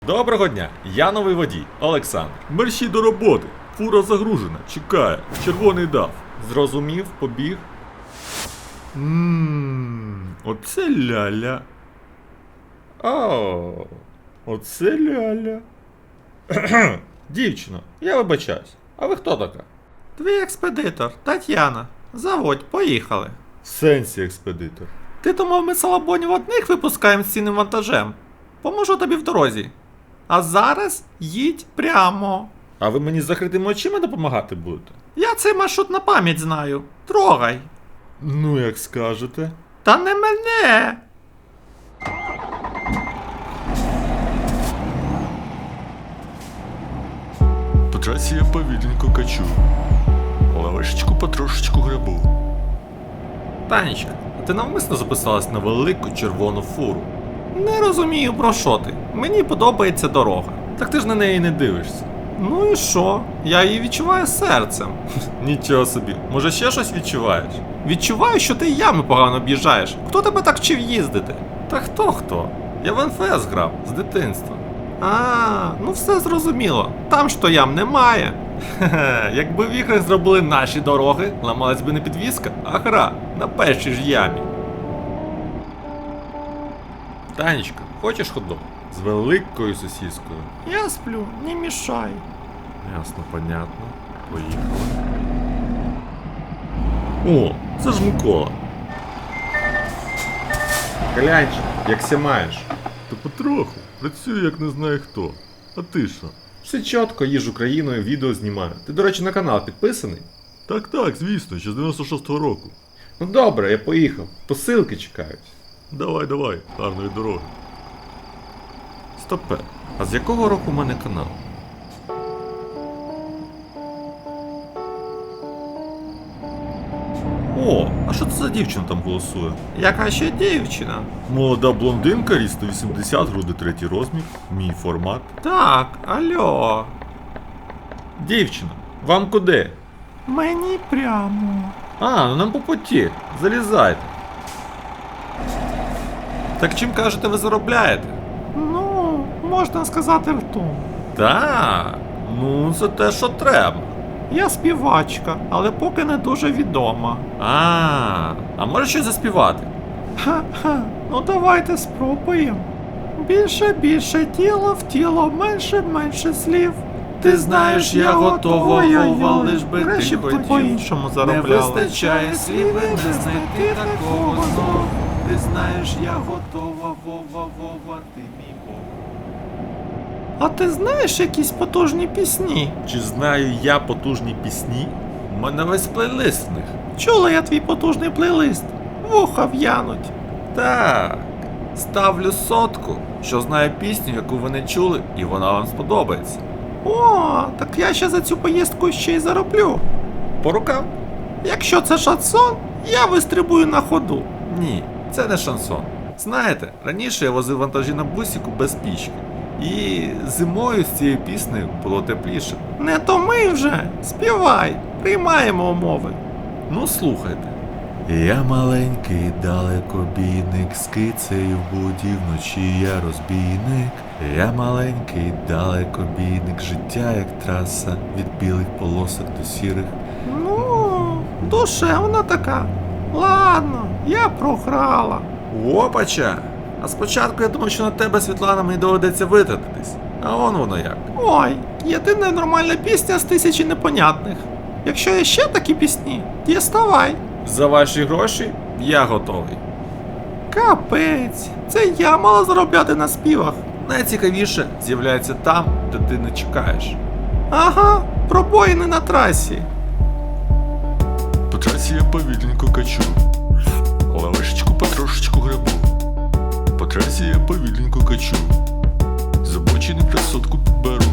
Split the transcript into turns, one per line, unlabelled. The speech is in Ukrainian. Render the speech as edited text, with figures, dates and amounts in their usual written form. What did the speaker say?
Доброго дня, я новий водій, Олександр.
Мерщій до роботи. Фура загружена, чекає. Червоний дав.
Зрозумів, побіг.
Оце ляля.
О, оце ляля. Дівчино, я вибачаюсь. А ви хто така?
Твій експедитор, Тетяна. Заводь, поїхали.
В сенсі експедитор.
Ти думав, ми салабонів одних випускаємо з цінним вантажем? Поможу тобі в дорозі. А зараз їдь прямо.
А ви мені з закритими очима допомагати будете?
Я цей маршрут на пам'ять знаю. Трогай.
Ну, як скажете.
Та не мене.
По трасі я повільненько качу. Лавешечку потрошечку грабу.
Танечка, а ти навмисно записалась на велику червону фуру? Не розумію, про що ти. Мені подобається дорога.
Так ти ж на неї не дивишся.
Ну і що? Я її відчуваю серцем.
Нічого собі. Може ще щось відчуваєш?
Відчуваю, що ти ями погано об'їжджаєш. Хто тебе так вчив їздити?
Та хто? Я в НФС грав з дитинства.
А, ну все зрозуміло. Там ж то ям немає.
Хе-хе, якби в іграх зробили наші дороги, ламалась би не підвізка, а гра на першій ж ямі. Танечка, хочеш хот-дог? З великою сосіскою.
Я сплю, не мішай.
Ясно, понятно. Поїхали. О, це ж Микола. Гляньчик, як ся маєш?
Та потроху. Працюю як не знаю хто. А ти що?
Все чітко, їжджу країною, відео знімаю. Ти, до речі, на канал підписаний?
Так, звісно, ще з 96-го року.
Ну добре, я поїхав. Посилки чекають.
Давай, гарної дороги.
Стопе, а з якого року у мене канал? О, а що це за дівчина там голосує?
Яка ще дівчина?
Молода блондинка, ріст 180, груди 3 розмір, мій формат.
Так, альо.
Дівчина, вам куди?
Мені прямо.
А, ну нам по путі. Залізайте. Так чим кажете, ви заробляєте?
Ну, можна сказати ртом.
Так, ну це те, що треба.
Я співачка, але поки не дуже відома.
А може щось заспівати?
Ха-ха, ну давайте спробуємо. Більше тіло в тіло, менше слів.
Ти знаєш, я готова, Вова, лиш би ти
Краще б ти
хотів.
по-іншому
Не
заробляла.
вистачає слів, не знайти такого знов. Ти знаєш, я готова, Вова, ти мій Бог.
А ти знаєш якісь потужні пісні?
Чи знаю я потужні пісні? У мене весь плейлист в них.
Чула я твій потужний плейлист. Вуха в'януть.
Так, ставлю 100, що знаю пісню, яку ви не чули, і вона вам сподобається.
О, так я ще за цю поїздку ще й зароблю.
По рукам?
Якщо це шансон, я вистрибую на ходу.
Ні, це не шансон. Знаєте, раніше я возив вантажі на бусіку без пічки. І зимою з цією піснею було тепліше.
Не томи вже, співай, приймаємо умови.
Ну слухайте.
Я маленький далекобійник, з кицею в буді вночі я розбійник. Я маленький далекобійник, життя як траса, від білих полосок до сірих.
Ну, душевна така. Ладно, я програла.
Опача! А спочатку я думав, що на тебе, Світлана, мені доведеться витратитись. А воно як.
Ой, єдина нормальна пісня з 1000 непонятних. Якщо є ще такі пісні, діставай.
За ваші гроші я готовий.
Капець, це я мала заробляти на співах.
Найцікавіше з'являється там, де ти не чекаєш.
Ага, пробоїни на трасі.
По трасі я повільненько качу. Лавешечку потрошечку грабу. По трасі я повільненько качу. З обочини красотку підберу.